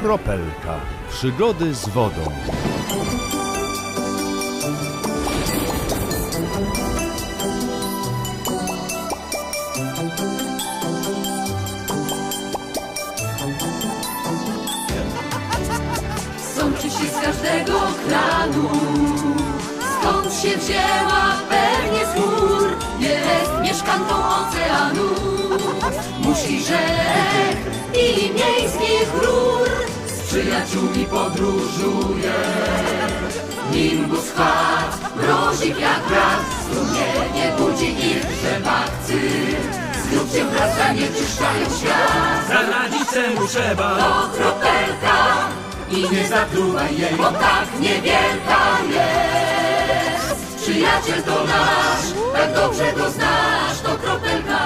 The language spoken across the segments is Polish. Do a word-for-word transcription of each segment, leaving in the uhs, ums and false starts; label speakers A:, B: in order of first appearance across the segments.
A: Kropelka. Przygody z wodą.
B: Sączy się z każdego kranu, skąd się wzięła pewnie z gór. Jest mieszkanką oceanu, musi rzek i miejskich rur. Z przyjaciółmi podróżuje, nimbus chat, mrozik jak brat. Strumienie budzi ich rzepakcy, z grubciem wraz zanieczyszczają świat.
C: Zaradzić temu trzeba,
B: To kropelka i nie zatruwaj jej, bo tak niewielka jest. Przyjaciel to nasz, tak dobrze go znasz, to kropelka.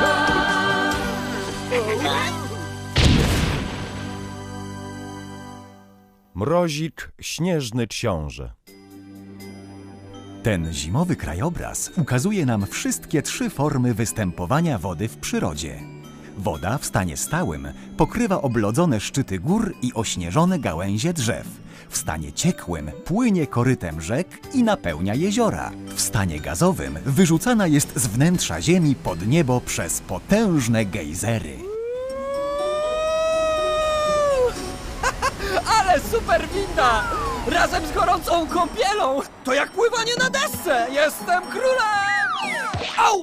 A: Mrozik, śnieżny książę.
D: Ten zimowy krajobraz ukazuje nam wszystkie trzy formy występowania wody w przyrodzie. Woda w stanie stałym pokrywa oblodzone szczyty gór i ośnieżone gałęzie drzew. W stanie ciekłym płynie korytem rzek i napełnia jeziora. W stanie gazowym wyrzucana jest z wnętrza ziemi pod niebo przez potężne gejzery.
E: Ale super winda! Razem z gorącą kąpielą! To jak pływanie na desce! Jestem królem! Au!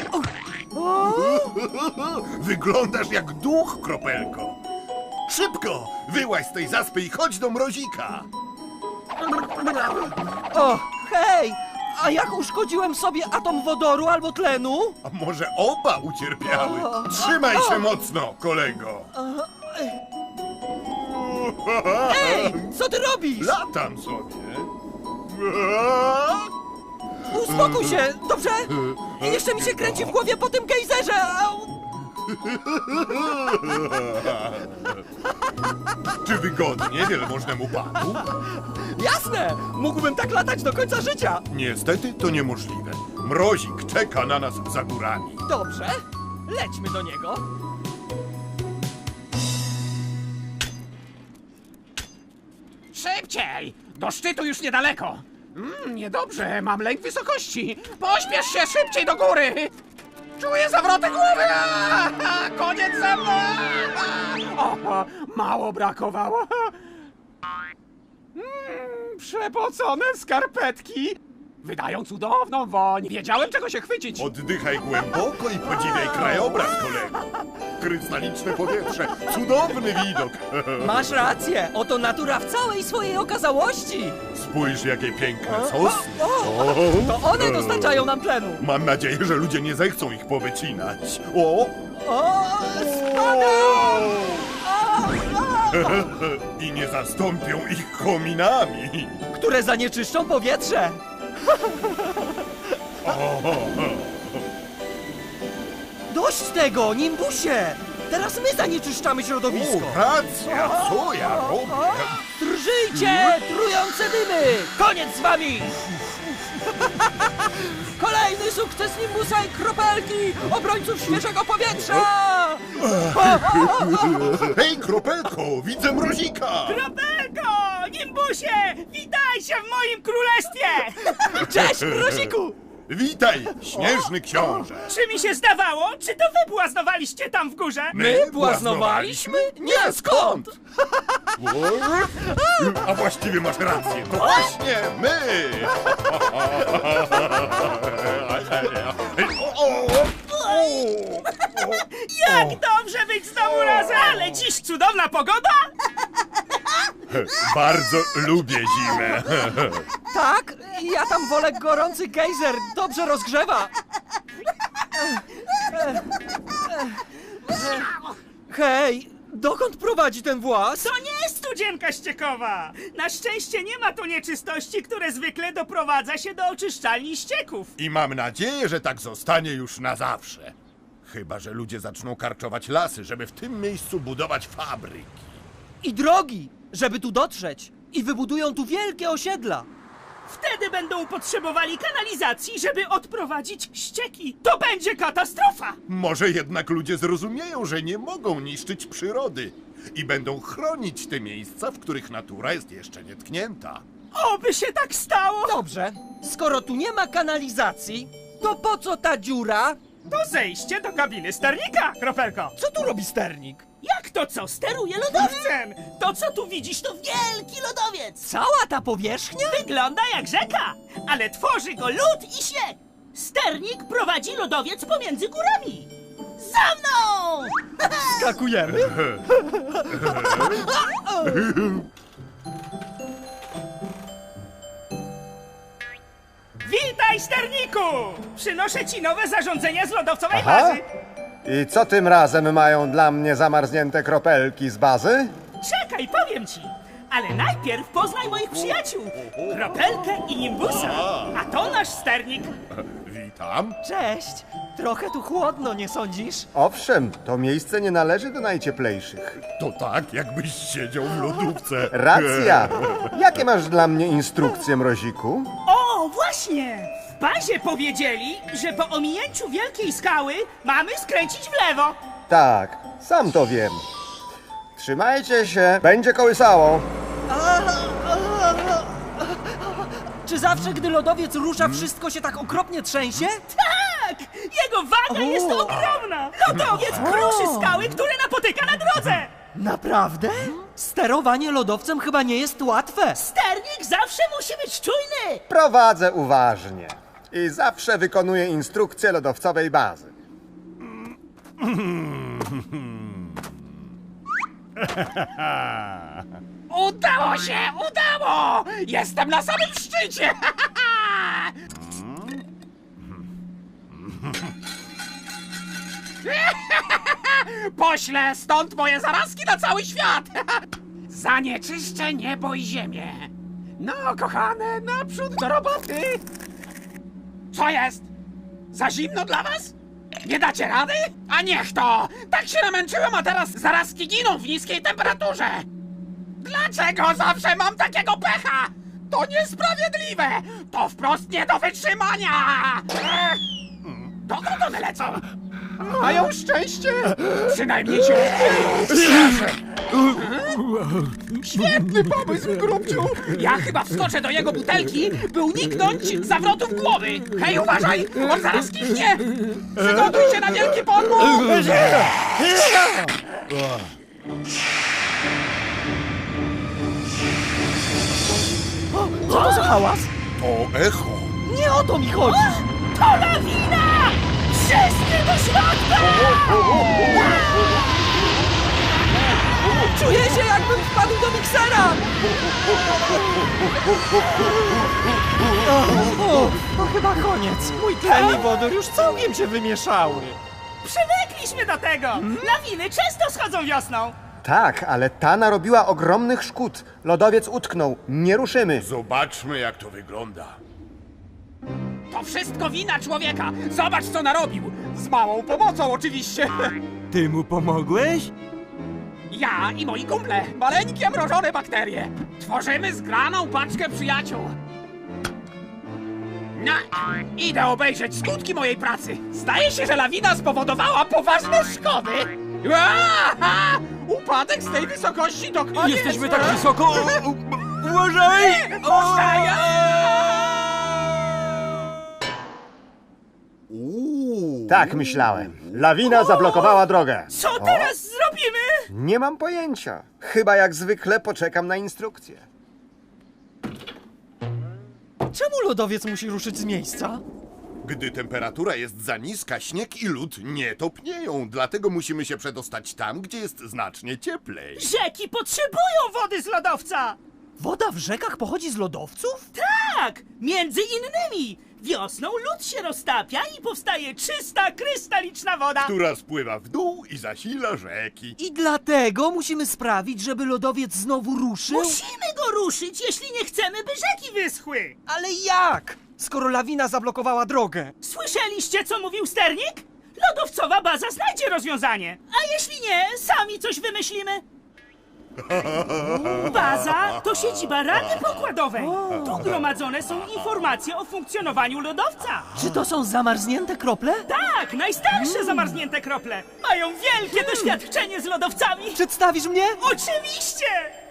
F: Wyglądasz jak duch, Kropelko. Szybko, wyłaź z tej zaspy i chodź do mrozika.
E: O, hej! A jak uszkodziłem sobie atom wodoru albo tlenu?
F: A może oba ucierpiały? Trzymaj się mocno, kolego.
E: Ej, co ty robisz?
F: Latam sobie.
E: Uspokój się, dobrze? Jeszcze mi się kręci w głowie po tym gejzerze! Au.
F: Czy wygodnie wielmożnemu panu?
E: Jasne! Mógłbym tak latać do końca życia!
F: Niestety to niemożliwe. Mrozik czeka na nas za górami.
E: Dobrze, lećmy do niego.
C: szybciej! Do szczytu już niedaleko. Mm, niedobrze, mam lęk wysokości. Pośpiesz się szybciej do góry. Czuję zawroty głowy. A, koniec ze mną. O, mało brakowało. Mm, przepocone skarpetki. Wydają cudowną woń. Wiedziałem, czego się chwycić.
F: Oddychaj głęboko i podziwiaj krajobraz, kolego. Krystaliczne powietrze, cudowny widok.
E: Masz rację, oto natura w całej swojej okazałości.
F: Spójrz, jakie piękne sosny.
E: O, to one dostarczają nam tlenu.
F: Mam nadzieję, że ludzie nie zechcą ich powycinać. O!
E: O, spadam!
F: I nie zastąpią ich kominami.
E: Które zanieczyszczą powietrze. Dość tego, Nimbusie! Teraz my zanieczyszczamy środowisko.
F: O, racja, co ja robię?
E: Drżyjcie, trujące dymy! Koniec z wami! Kolejny sukces Nimbusa i Kropelki, obrońców świeżego powietrza!
F: Hej, Kropelko, widzę mrozika!
G: Kropelko! Nimbusie! Witajcie w moim królestwie!
E: Cześć, Mroziku!
F: Witaj, śnieżny książę!
G: Czy mi się zdawało? Czy to wy błaznowaliście tam w górze?
E: My błaznowaliśmy? Nie, skąd?
F: A właściwie masz rację, to właśnie my!
G: Jak dobrze być znowu razem! Ale dziś cudowna pogoda!
F: Bardzo lubię zimę.
E: Tak, ja tam wolę gorący gejzer, dobrze rozgrzewa. Hej, dokąd prowadzi ten właz?
G: To nie studzienka ściekowa! Na szczęście nie ma tu nieczystości, które zwykle doprowadza się do oczyszczalni ścieków.
F: I mam nadzieję, że tak zostanie już na zawsze. Chyba że ludzie zaczną karczować lasy, żeby w tym miejscu budować fabryki.
E: I drogi, żeby tu dotrzeć. I wybudują tu wielkie osiedla.
G: Wtedy będą potrzebowali kanalizacji, żeby odprowadzić ścieki. To będzie katastrofa!
F: Może jednak ludzie zrozumieją, że nie mogą niszczyć przyrody. i będą chronić te miejsca, w których natura jest jeszcze nietknięta.
G: Oby się tak stało!
E: Dobrze, skoro tu nie ma kanalizacji, to po co ta dziura?
G: To zejście do kabiny sternika, Kropelko!
E: Co tu robi sternik?
G: Jak to co? Steruje lodowcem! To co tu widzisz to wielki lodowiec!
E: Cała ta powierzchnia?
G: Wygląda jak rzeka, ale tworzy go lód i śnieg! Sternik prowadzi lodowiec pomiędzy górami! Za mną!
E: Skakujemy?
G: Witaj, sterniku! Przynoszę ci nowe zarządzenia z lodowcowej
H: Aha.
G: bazy!
H: I co tym razem mają dla mnie zamarznięte kropelki z bazy?
G: Czekaj, powiem ci! Ale najpierw poznaj moich przyjaciół! Kropelkę i Nimbusa! A to nasz sternik!
F: Witam.
E: Cześć! Trochę tu chłodno, nie sądzisz?
H: Owszem, to miejsce nie należy do najcieplejszych.
F: To tak, jakbyś siedział w lodówce.
H: Racja! Jakie masz dla mnie instrukcje, Mroziku?
G: O, właśnie! W bazie powiedzieli, że po ominięciu wielkiej skały mamy skręcić w lewo!
H: Tak, sam to wiem. Trzymajcie się, będzie kołysało.
E: Czy zawsze, gdy lodowiec rusza, wszystko się tak okropnie trzęsie?
G: Tak! Jego waga jest ogromna! Lodowiec kruszy skały, które napotyka na drodze!
E: Naprawdę? Sterowanie lodowcem chyba nie jest łatwe.
G: Sternik zawsze musi być czujny!
H: Prowadzę uważnie i zawsze wykonuję instrukcje lodowcowej bazy.
C: Udało się! Udało! Jestem na samym szczycie! Poślę stąd moje zarazki na cały świat! Zanieczyszczę niebo i ziemię! No, kochane, naprzód do roboty! Co jest? Za zimno dla was? Nie dacie rady? A niech to! Tak się namęczyłem, a teraz zarazki giną w niskiej temperaturze! Dlaczego zawsze mam takiego pecha? To niesprawiedliwe! To wprost nie do wytrzymania! Ech. Dokąd one lecą? Mają szczęście! Przynajmniej się cieszę! Świetny pomysł, grubciu! Ja chyba wskoczę do jego butelki, by uniknąć zawrotów głowy! Hej, uważaj! On zaraz kichnie! Przygotuj się na wielki podmuch!
E: Co to za hałas?
F: To echo.
E: Nie o to mi chodzi!
G: To lawina! Wszyscy do środka!
E: Czuję się, jakbym wpadł do miksera! O, o, to chyba koniec. Mój tlen i wodór już całkiem się wymieszały.
G: Przywykliśmy do tego! Lawiny często schodzą wiosną!
H: Tak, ale ta narobiła ogromnych szkód. Lodowiec utknął. Nie ruszymy.
F: Zobaczmy, jak to wygląda.
C: To wszystko wina człowieka! Zobacz, co narobił! Z małą pomocą, oczywiście!
E: Ty mu pomogłeś?
C: Ja i moi kumple, maleńkie mrożone bakterie. Tworzymy zgraną paczkę przyjaciół. No, idę obejrzeć skutki mojej pracy. Zdaje się, że lawina spowodowała poważne szkody. Aha! Upadek z tej wysokości to koniec.
E: Jesteśmy tak wysoko! Uważaj!
C: Puszczaj!
H: Tak myślałem. Lawina zablokowała drogę.
G: Co teraz zrobimy?
H: Nie mam pojęcia. Chyba jak zwykle poczekam na instrukcję.
E: Czemu lodowiec musi ruszyć z miejsca?
F: Gdy temperatura jest za niska, śnieg i lód nie topnieją. Dlatego musimy się przedostać tam, gdzie jest znacznie cieplej.
G: Rzeki potrzebują wody z lodowca!
E: Woda w rzekach pochodzi z lodowców?
G: Tak! Między innymi! Wiosną lód się roztapia i powstaje czysta, krystaliczna woda!
F: Która spływa w dół i zasila rzeki.
E: I dlatego musimy sprawić, żeby lodowiec znowu ruszył?
G: Musimy go ruszyć, jeśli nie chcemy, by rzeki wyschły!
E: Ale jak? Skoro lawina zablokowała drogę.
G: Słyszeliście, co mówił sternik? Lodowcowa baza znajdzie rozwiązanie! A jeśli nie, sami coś wymyślimy! Baza to siedziba Rady Pokładowej. Tu gromadzone są informacje o funkcjonowaniu lodowca.
E: Czy to są zamarznięte krople?
G: Tak, najstarsze zamarznięte krople. Mają wielkie doświadczenie z lodowcami.
E: Przedstawisz mnie?
G: Oczywiście!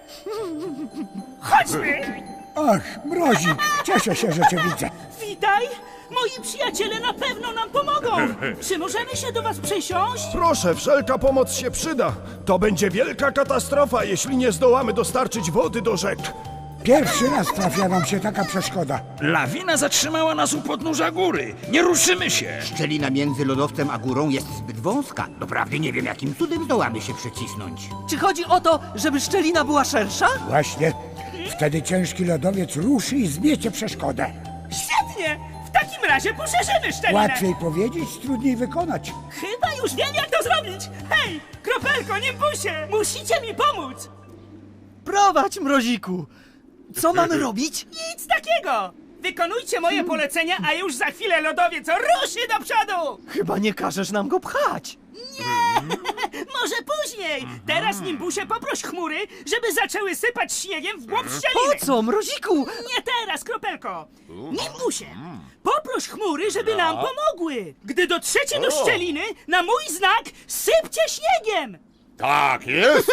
G: Chodźmy!
I: Ach, Mrozik, cieszę się, że cię widzę.
G: Witaj! Moi przyjaciele na pewno nam pomogą. Czy możemy się do was przesiąść?
J: Proszę, wszelka pomoc się przyda. To będzie wielka katastrofa, jeśli nie zdołamy dostarczyć wody do rzek.
I: Pierwszy raz trafia nam się taka przeszkoda.
K: Lawina zatrzymała nas u podnóża góry. Nie ruszymy się.
L: Szczelina między lodowcem a górą jest zbyt wąska. Doprawdy nie wiem, jakim cudem zdołamy się przecisnąć.
E: Czy chodzi o to, żeby szczelina była szersza?
I: Właśnie. Wtedy ciężki lodowiec ruszy i zmiecie przeszkodę.
G: Świetnie! W takim razie poszerzymy szczelinę.
I: Łatwiej powiedzieć, trudniej wykonać.
G: Chyba już wiem, jak to zrobić. Hej, Kropelko, Nimbusie, musicie mi pomóc.
E: Prowadź, Mroziku. Co mamy robić?
G: Nic takiego. Wykonujcie moje polecenia, a już za chwilę lodowiec ruszy do przodu.
E: Chyba nie każesz nam go pchać.
G: Nie! Może później! Teraz, Nimbusie, poproś chmury, żeby zaczęły sypać śniegiem w głąb szczeliny!
E: Po co, Mroziku?
G: Nie teraz, Kropelko! Nimbusie, poproś chmury, żeby nam pomogły! Gdy dotrzecie do szczeliny, na mój znak sypcie śniegiem!
F: Tak jest!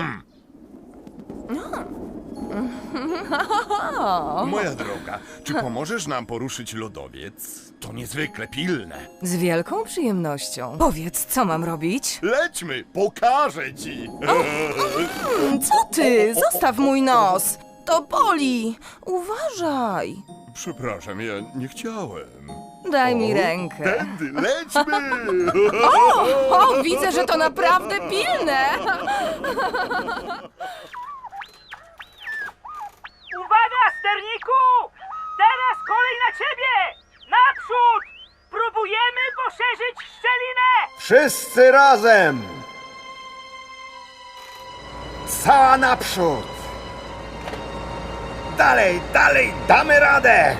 F: Moja droga, czy pomożesz nam poruszyć lodowiec? To niezwykle pilne.
M: Z wielką przyjemnością. Powiedz, co mam robić?
F: Lećmy, pokażę ci!
M: Mm, co ty? Zostaw mój nos! To boli! Uważaj!
F: Przepraszam, ja nie chciałem.
M: Daj mi rękę.
F: Tędy, lećmy!
M: O, o, widzę, że to naprawdę pilne!
G: Uwaga, sterniku! Teraz kolej na ciebie! Naprzód! Próbujemy poszerzyć szczelinę!
H: Wszyscy razem! Cała naprzód! Dalej, dalej, damy radę!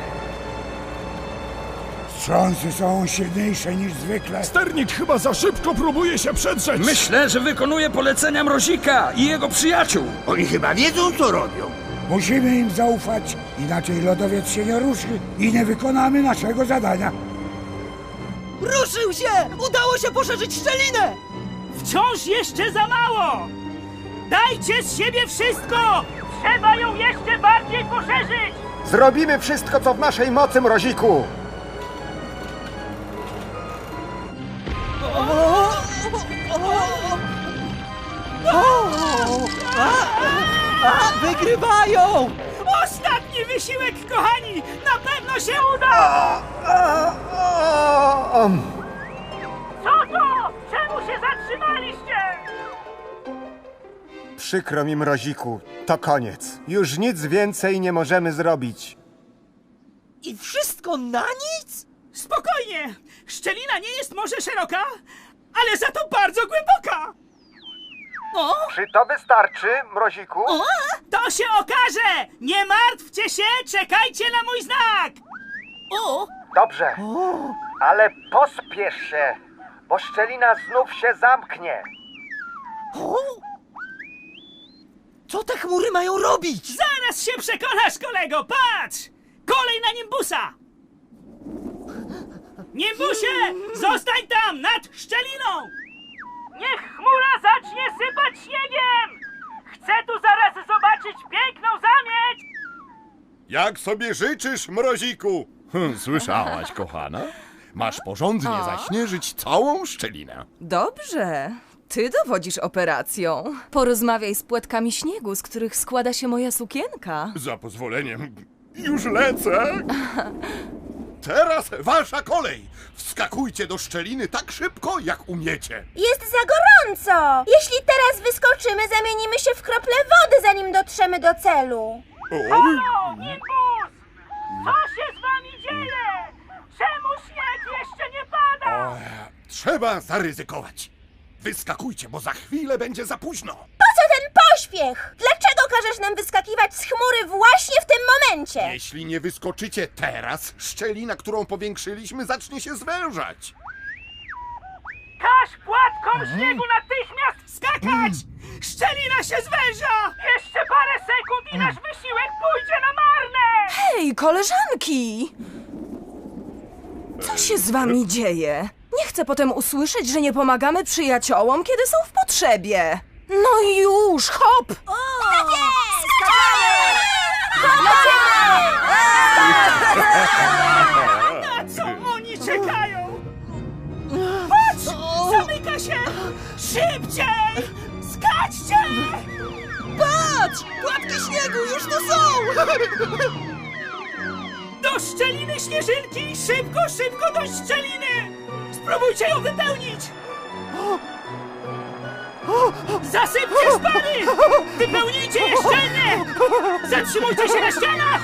I: Wstrząsy są silniejsze niż zwykle.
J: Sternik chyba za szybko próbuje się przedrzeć.
K: Myślę, że wykonuje polecenia Mrozika i jego przyjaciół.
L: Oni chyba wiedzą, co robią.
I: Musimy im zaufać, inaczej lodowiec się nie ruszy i nie wykonamy naszego zadania.
E: Ruszył się! Udało się poszerzyć szczelinę!
G: Wciąż jeszcze za mało! Dajcie z siebie wszystko! Trzeba ją jeszcze bardziej poszerzyć!
H: Zrobimy wszystko, co w naszej mocy, Mroziku!
E: A, wygrywają!
G: Ostatni wysiłek, kochani! Na pewno się uda!
H: A, a, a,
G: Co to? Czemu się zatrzymaliście?
H: Przykro mi, Mroziku. To koniec. Już nic więcej nie możemy zrobić.
E: I wszystko na nic?
G: Spokojnie! Szczelina nie jest może szeroka, ale za to bardzo głęboka! O?
H: Czy to wystarczy, Mroziku?
G: O? To się okaże! Nie martwcie się, czekajcie na mój znak! O!
H: Dobrze, ale pospiesz się, bo szczelina znów się zamknie.
E: O? Co te chmury mają robić?
G: Zaraz się przekonasz, kolego! Patrz! Kolej na Nimbusa! Nimbusie! Zostań tam, nad szczeliną! Niech chmura zacznie sypać śniegiem! Chcę tu zaraz zobaczyć piękną zamieć!
F: Jak sobie życzysz, Mroziku? Hm, słyszałaś, kochana? Masz porządnie
M: O.
F: zaśnieżyć całą szczelinę.
M: Dobrze. Ty dowodzisz operacją. Porozmawiaj z płetkami śniegu, z których składa się moja sukienka.
F: Za pozwoleniem, już lecę. Teraz wasza kolej. Wskakujcie do szczeliny tak szybko, jak umiecie.
N: Jest za gorąco! Jeśli teraz wyskoczymy, zamienimy się w krople wody, zanim dotrzemy do celu.
G: Halo, Nimbus! Co się z wami dzieje? Czemu śnieg jeszcze nie pada?
F: O, trzeba zaryzykować. Wyskakujcie, bo za chwilę będzie za późno.
N: Po co ten pośpiech? Dlaczego każesz nam wyskakiwać z chmury właśnie w tym momencie?
F: Jeśli nie wyskoczycie teraz, szczelina, którą powiększyliśmy, zacznie się zwężać.
G: Każ płatkom śniegu natychmiast skakać! Szczelina się zwęża! Jeszcze parę sekund i nasz wysiłek pójdzie na marne!
M: Hej, koleżanki! Co się z wami dzieje? Nie chcę potem usłyszeć, że nie pomagamy przyjaciołom, kiedy są w potrzebie. No już, hop!
G: Na co oni czekają? Patrz! Zamyka się! Szybciej! Skaczcie!
E: Patrz! Płatki śniegu już tu są!
G: Do szczeliny śnieżynki! Szybko, szybko do szczeliny! Spróbujcie ją wypełnić! Zasypcie szpary! Wypełnijcie je szczelnie! Zatrzymujcie się na ścianach!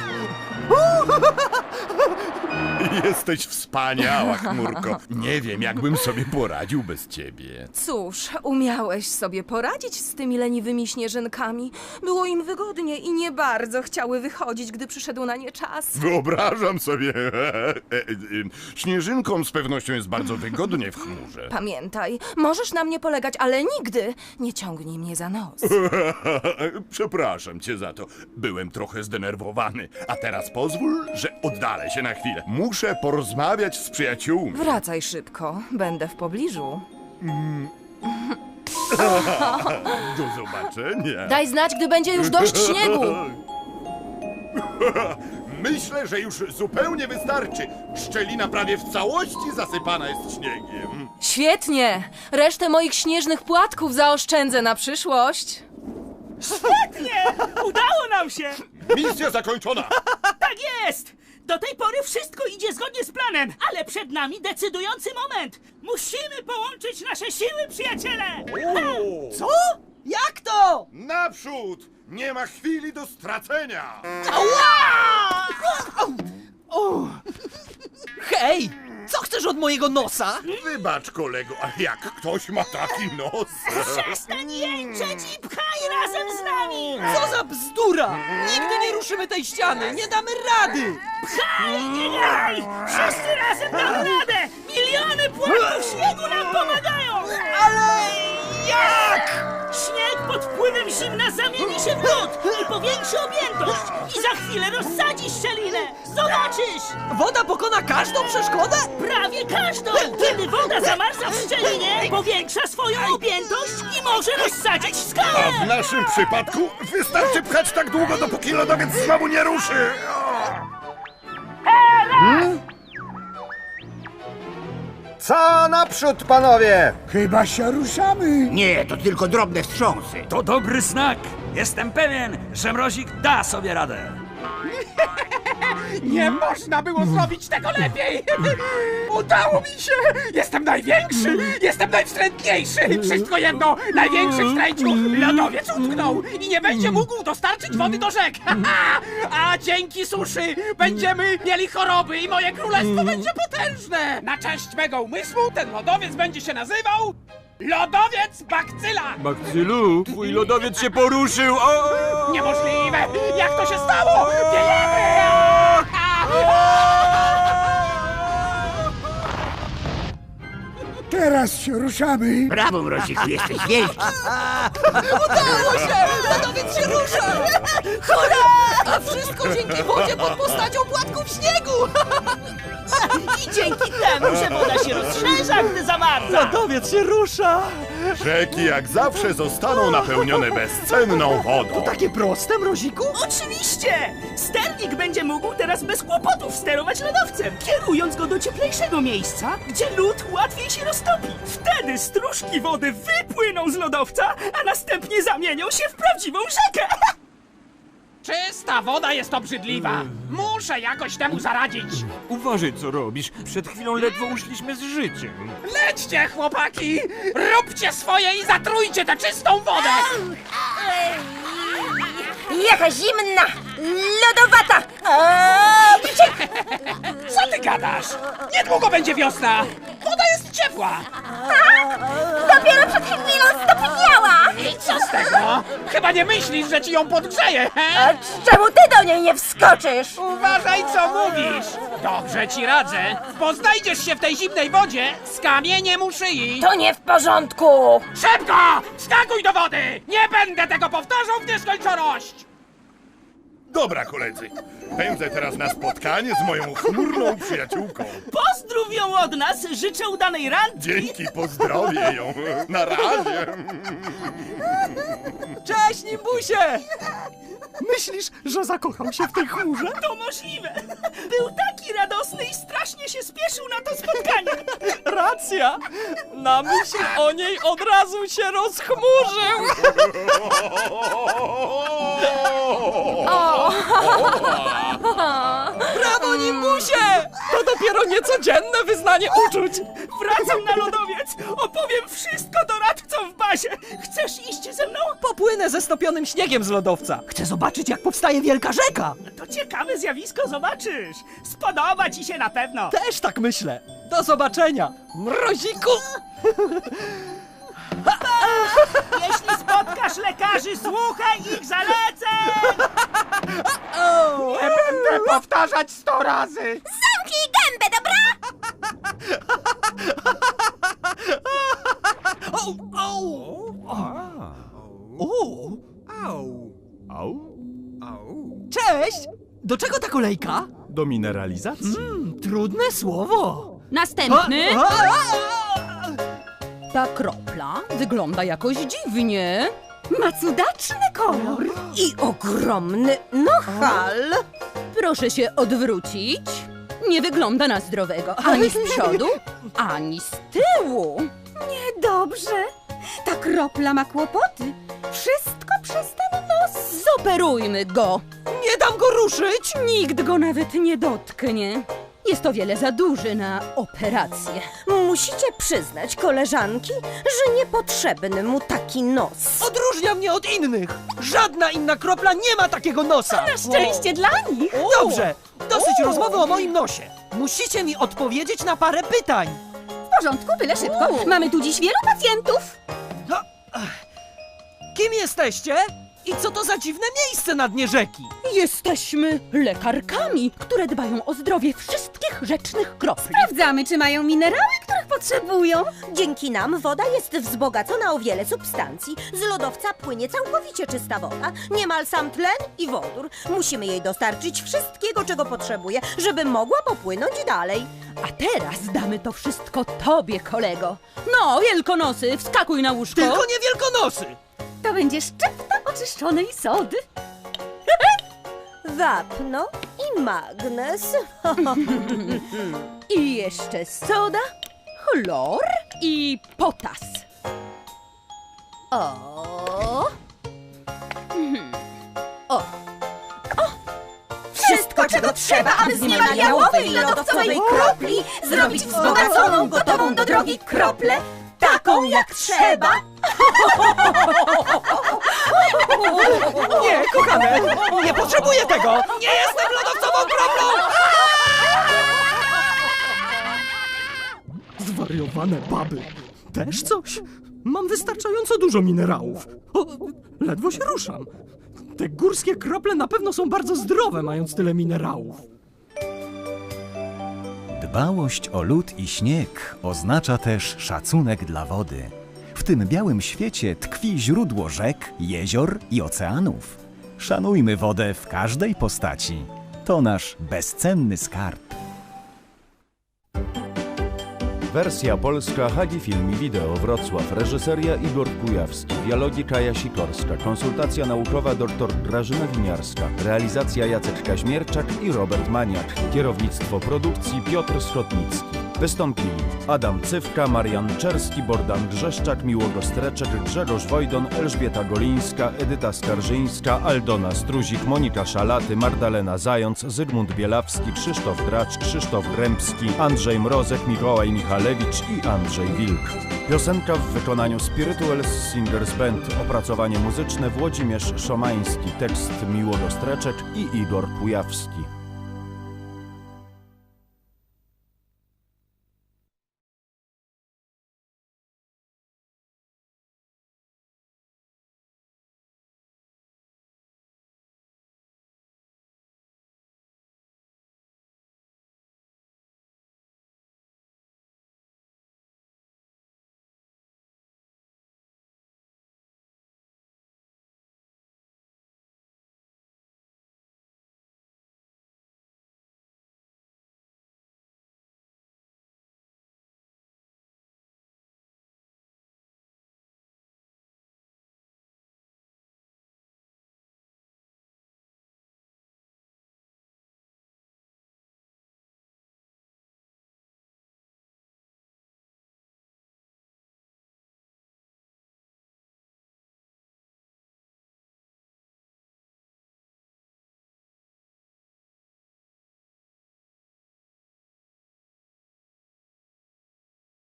F: Jesteś wspaniała, Chmurko. Nie wiem, jakbym sobie poradził bez ciebie.
M: Cóż, umiałeś sobie poradzić z tymi leniwymi śnieżynkami. Było im wygodnie i nie bardzo chciały wychodzić, gdy przyszedł na nie czas.
F: Wyobrażam sobie. Śnieżynkom z pewnością jest bardzo wygodnie w chmurze.
M: Pamiętaj, możesz na mnie polegać, ale nigdy nie ciągnij mnie za nos.
F: Przepraszam cię za to. Byłem trochę zdenerwowany. A teraz pozwól, że oddalę się na chwilę. Muszę porozmawiać z przyjaciółmi.
M: Wracaj szybko, będę w pobliżu.
F: Do zobaczenia.
M: Daj znać, gdy będzie już dość śniegu.
F: Myślę, że już zupełnie wystarczy. Szczelina prawie w całości zasypana jest śniegiem.
M: Świetnie! Resztę moich śnieżnych płatków zaoszczędzę na przyszłość.
G: Świetnie! Udało nam się!
F: Misja zakończona!
G: Tak jest! Do tej pory wszystko idzie zgodnie z planem, ale przed nami decydujący moment! Musimy połączyć nasze siły, przyjaciele!
E: Co? Jak to?
F: Naprzód! Nie ma chwili do stracenia!
E: Hej! Co chcesz od mojego nosa?
F: Wybacz, kolego, ale jak ktoś ma taki nos...
G: Przestań jęczeć i pchaj razem z nami!
E: Co za bzdura! Nigdy nie ruszymy tej ściany! Nie damy rady!
G: Pchaj, nie graj! Wszyscy razem damy radę! Miliony płatków śniegu nam pomagają!
E: Ale jak?
G: Śnieg pod wpływem zimna zamieni się w lód i powiększy objętość i za chwilę rozsadzi szczelinę! Zobaczysz!
E: Woda pokona każdą przeszkodę?
G: Prawie każdą! Kiedy woda zamarza w szczelinie, powiększa swoją objętość i może rozsadzić skałę!
F: A w naszym przypadku wystarczy pchać tak długo, dopóki lodowiec znowu nie ruszy!
H: Hmm? Co naprzód, panowie?
I: Chyba się ruszamy.
L: Nie, to tylko drobne wstrząsy.
K: To dobry znak. Jestem pewien, że Mrozik da sobie radę.
C: Nie można było zrobić tego lepiej! Udało mi się! Jestem największy! Jestem najwstrętniejszy! Wszystko jedno! Największy w stręciu! Lodowiec utknął i nie będzie mógł dostarczyć wody do rzek! A dzięki suszy będziemy mieli choroby i moje królestwo będzie potężne! Na cześć mego umysłu ten lodowiec będzie się nazywał... Lodowiec Bakcyla!
K: Bakcylu, twój lodowiec się poruszył! O!
C: Niemożliwe! Jak to się stało? Wiejemy!
I: Teraz się ruszamy.
L: Brawo, Mroziku, jesteś wielki.
E: Udało się! Lodowiec się rusza! Hurra! A wszystko dzięki wodzie pod postacią płatków śniegu!
G: I dzięki temu, że woda się rozszerza, gdy zamarza!
E: Lodowiec się rusza!
F: Rzeki jak zawsze zostaną napełnione bezcenną wodą.
E: Takie proste, Mroziku?
G: Oczywiście! Sternik będzie mógł teraz bez kłopotów sterować lodowcem, kierując go do cieplejszego miejsca, gdzie lód łatwiej się roztopi. Wtedy stróżki wody wypłyną z lodowca, a następnie zamienią się w prawdziwą rzekę.
C: Czysta woda jest obrzydliwa! Muszę jakoś temu zaradzić!
K: Uważaj, co robisz. Przed chwilą ledwo uszliśmy z życiem.
C: Lećcie, chłopaki! Róbcie swoje i zatrujcie tę czystą wodę!
N: Jaka zimna! Lodowata!
C: Co ty gadasz? Niedługo będzie wiosna! Woda jest ciepła!
N: Dopiero przed chwilą stopniała!
C: I co z tego? Chyba nie myślisz, że ci ją podgrzeje, he?
N: A czemu ty do niej nie wskoczysz?
C: Uważaj, co mówisz! Dobrze ci radzę, bo znajdziesz się w tej zimnej wodzie z kamieniem u szyi.
N: To nie w porządku!
C: Szybko! Skakuj do wody! Nie będę tego powtarzał w nieskończoność!
F: Dobra, koledzy. Pędzę teraz na spotkanie z moją chmurną przyjaciółką.
G: Pozdrów ją od nas, życzę udanej randki.
F: Dzięki, pozdrowię ją. Na razie.
E: Cześć, Nimbusie! Myślisz, że zakochał się w tej chmurze?
G: To możliwe. Był taki radosny i strasznie się spieszył na to spotkanie.
E: Racja! Na myśl o niej od razu się rozchmurzył! Brawo, Nimbusie! To dopiero niecodzienne wyznanie uczuć!
G: Wracam na lodowiec. Opowiem wszystko doradcom w bazie. Chcesz iść ze mną?
E: Popłynę ze stopionym śniegiem z lodowca. Chcę zobaczyć, jak powstaje wielka rzeka.
G: To ciekawe zjawisko, zobaczysz. Spodoba ci się na pewno.
E: Też tak myślę. Do zobaczenia, mroziku!
G: Jeśli spotkasz lekarzy, słuchaj ich zaleceń!
C: Nie będę powtarzać sto razy!
N: Zamknij gębę, dobra?
E: Cześć! Do czego ta kolejka?
A: Do mineralizacji.
E: Mm, trudne słowo.
O: Następny.
E: A, a, a!
O: Ta kropla wygląda jakoś dziwnie. Ma cudaczny kolor. I ogromny nohal. Proszę się odwrócić. Nie wygląda na zdrowego. Ani z przodu, ani z tyłu. Niedobrze. Ta kropla ma kłopoty. Wszystko przez ten nos. Zoperujmy go.
E: Nie dam go ruszyć!
O: Nikt go nawet nie dotknie. Jest o wiele za duży na operację.
M: Musicie przyznać, koleżanki, że niepotrzebny mu taki nos.
E: Odróżnia mnie od innych! Żadna inna kropla nie ma takiego nosa!
O: Na szczęście dla nich.
E: Dobrze, dosyć rozmowy o moim nosie. Musicie mi odpowiedzieć na parę pytań.
O: W porządku, byle szybko. Mamy tu dziś wielu pacjentów.
E: Kim jesteście? I co to za dziwne miejsce na dnie rzeki?
O: Jesteśmy lekarkami, które dbają o zdrowie wszystkich rzecznych kropli. Sprawdzamy, czy mają minerały, których potrzebują.
M: Dzięki nam woda jest wzbogacona o wiele substancji. Z lodowca płynie całkowicie czysta woda. Niemal sam tlen i wodór. Musimy jej dostarczyć wszystkiego, czego potrzebuje, żeby mogła popłynąć dalej.
O: A teraz damy to wszystko tobie, kolego. No, wielkonosy, wskakuj na łóżko.
E: Tylko nie wielkonosy!
O: To będzie szczypta oczyszczonej sody.
M: Wapno i magnes.
O: I jeszcze soda, chlor i potas. O! Mhm. O!
N: Wszystko, czego trzeba, aby z niemal jałowej lodowcowej kropli zrobić wzbogaconą, gotową do drogi kroplę, taką jak trzeba.
E: Nie, kochane, nie potrzebuję tego! Nie jestem lodowcową kroplą! Zwariowane baby. Też coś? Mam wystarczająco dużo minerałów. O, ledwo się ruszam. Te górskie krople na pewno są bardzo zdrowe, mając tyle minerałów.
D: Dbałość o lód i śnieg oznacza też szacunek dla wody. W tym białym świecie tkwi źródło rzek, jezior i oceanów. Szanujmy wodę w każdej postaci. To nasz bezcenny skarb.
A: Wersja polska Hagi Film i Wideo Wrocław. Reżyseria Igor Kujawski. Dialogi Kaja Sikorska. Konsultacja naukowa dr Grażyna Winiarska. Realizacja Jacek Kaźmierczak i Robert Maniak. Kierownictwo produkcji Piotr Schotnicki. Wystąpili Adam Cywka, Marian Czerski, Bogdan Grzeszczak, Miłogo Streczek, Grzegorz Wojdon, Elżbieta Golińska, Edyta Skarżyńska, Aldona Struzik, Monika Szalaty, Magdalena Zając, Zygmunt Bielawski, Krzysztof Dracz, Krzysztof Grębski, Andrzej Mrozek, Mikołaj Michalewicz i Andrzej Wilk. Piosenka w wykonaniu Spirituals Singers Band. Opracowanie muzyczne Włodzimierz Szomański. Tekst Miłogo Streczek i Igor Kujawski.